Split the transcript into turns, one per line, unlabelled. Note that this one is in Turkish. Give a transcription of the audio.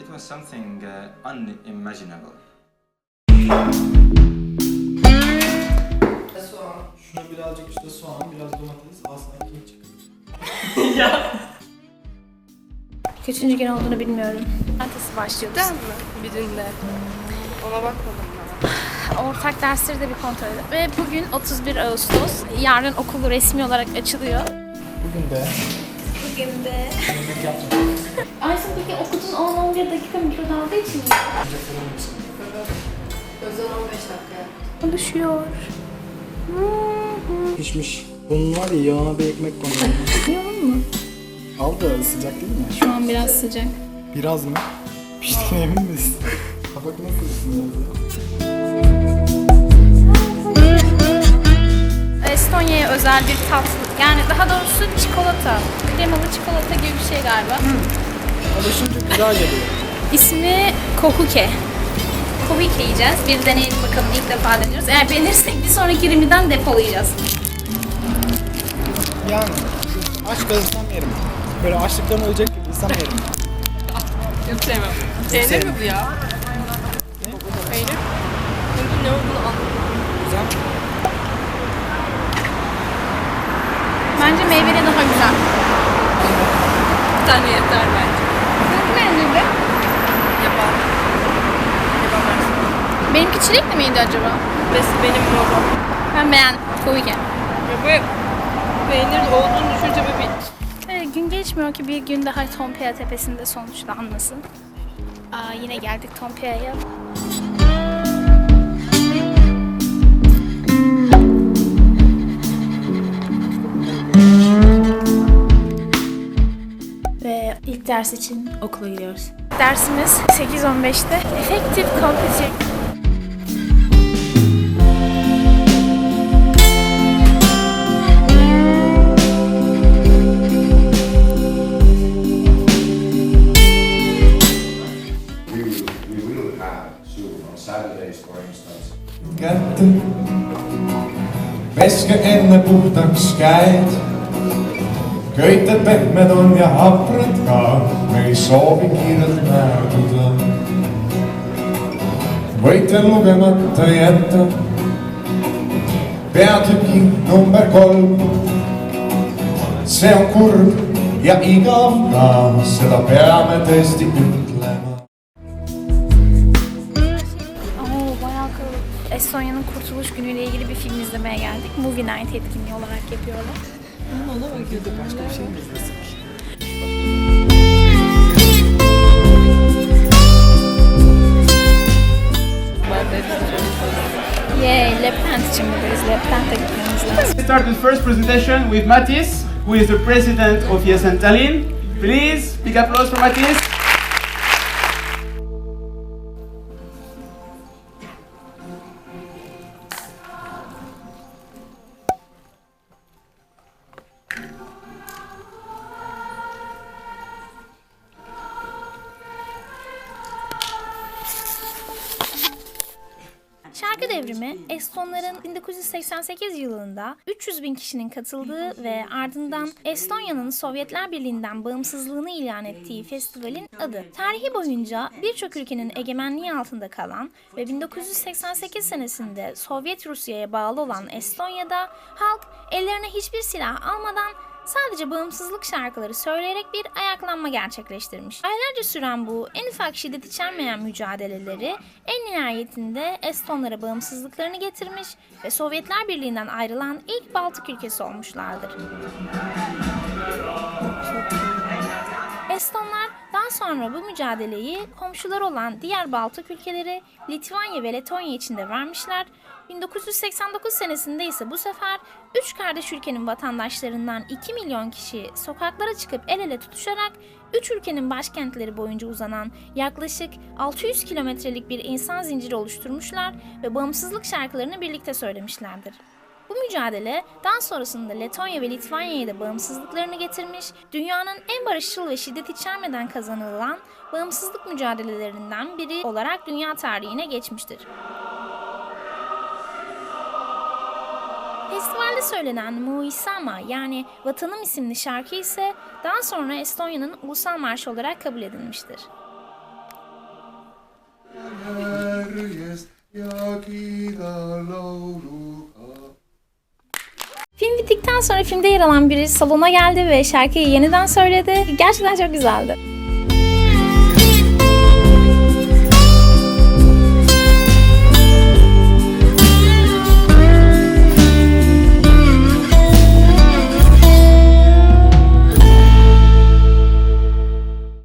was something unimaginable.
Soğan.
Şuna birazcık işte soğan, biraz domates, aslında kim çıkıyor?
Ya.
Kaçıncı gün olduğunu bilmiyorum. Ertesi başlıyoruz.
Değil mi? Birinde. Ona bakmadım ben.
Ortak dersleri de bir kontrol edelim. Ve bugün 31 Ağustos. Yarın okul resmi olarak açılıyor.
Bugün de
Bugün de...
yemek yapacağım.
Aysun peki okudun 10-11 dakika mikrodalga için mi?
Önce fırın mısın?
Özel 15 dakika.
Konuşuyor.
Pişmiş. Bunun var ya yağına bir ekmek koyuyorum.
Yiyor mu?
Al da sıcak değil mi?
Şu an biraz sıcak.
Biraz mı? Piştiğine emin misin? Kabak nasıl ısınıyor?
Estonya'ya özel bir tatlı. Yani daha doğrusu çikolata. Kremalı çikolata gibi bir şey galiba.
Alışınca güzel geliyor.
İsmi Kohuke. Kohuke yiyeceğiz. Bir deneyelim bakalım. İlk defa deniyoruz. Eğer beğenirsek bir sonraki rimiden depolayacağız.
Yani aç kalırsam yerim. Böyle açlıktan ölecek gibi insan yerim.
Yok sevmem. Peynir mi bu ya?
Ne?
Peynir. Bunun ne olduğunu anlamadım.
Güzel.
Bence meyveli daha güzel.
Bir tane yeter bence.
Nasıl beğendin?
Yaban. Yaban versin.
Benimki çilekli miydi acaba?
Benim babam.
Ben beğendim. Kohuke.
Ya bu peynir olduğunu düşünce böyle bir...
Evet, gün geçmiyor ki bir gün daha Tompeya Tepesi'nde sonuçlanmasın. Yine geldik Tompeya'ya. Ve ilk ders için okula gidiyoruz. Dersimiz 8:15'te. Effective Computing.
We will have soon on Saturdays, for instance.
kätte. Peske enne puhtaks käed. Köited pehmed on ja haprad ka, me ei soovi kiirelt määduda. Võite lugemata jätta peatüki number 3. See on kurb ja igav ka, seda peame tõesti ütlema.
Bayağı kalabalık. Estonya'nın Kurtuluş Günü ile ilgili bir film izlemeye geldik. Movie Night etkinliği olarak yapıyorlar.
Ona bakıyordu başka bir şey mi izlesin?
Yay, Lepent için buradayız. Lepent'e gitmemiz lazım.
Let's start the first presentation with Matis, who is the president of Yesen Tallinn. Please, big applause for Matis.
Şarkı Devrimi, Estonların 1988 yılında 300 bin kişinin katıldığı ve ardından Estonya'nın Sovyetler Birliği'nden bağımsızlığını ilan ettiği festivalin adı. Tarihi boyunca birçok ülkenin egemenliği altında kalan ve 1988 senesinde Sovyet Rusya'ya bağlı olan Estonya'da halk ellerine hiçbir silah almadan sadece bağımsızlık şarkıları söyleyerek bir ayaklanma gerçekleştirmiş. Aylarca süren bu en ufak şiddet içermeyen mücadeleleri en nihayetinde Estonlara bağımsızlıklarını getirmiş ve Sovyetler Birliği'nden ayrılan ilk Baltık ülkesi olmuşlardır. Estonlar daha sonra bu mücadeleyi komşular olan diğer Baltık ülkeleri Litvanya ve Letonya için de vermişler. 1989 senesinde ise bu sefer 3 kardeş ülkenin vatandaşlarından 2 milyon kişi sokaklara çıkıp el ele tutuşarak 3 ülkenin başkentleri boyunca uzanan yaklaşık 600 kilometrelik bir insan zinciri oluşturmuşlar ve bağımsızlık şarkılarını birlikte söylemişlerdir. Bu mücadele daha sonrasında Letonya ve Litvanya'ya da bağımsızlıklarını getirmiş, dünyanın en barışçıl ve şiddet içermeden kazanılan bağımsızlık mücadelelerinden biri olarak dünya tarihine geçmiştir. Festivalde söylenen Mu Isama yani Vatanım isimli şarkı ise daha sonra Estonya'nın ulusal marşı olarak kabul edilmiştir. Film bittikten sonra filmde yer alan biri salona geldi ve şarkıyı yeniden söyledi. Gerçekten çok güzeldi.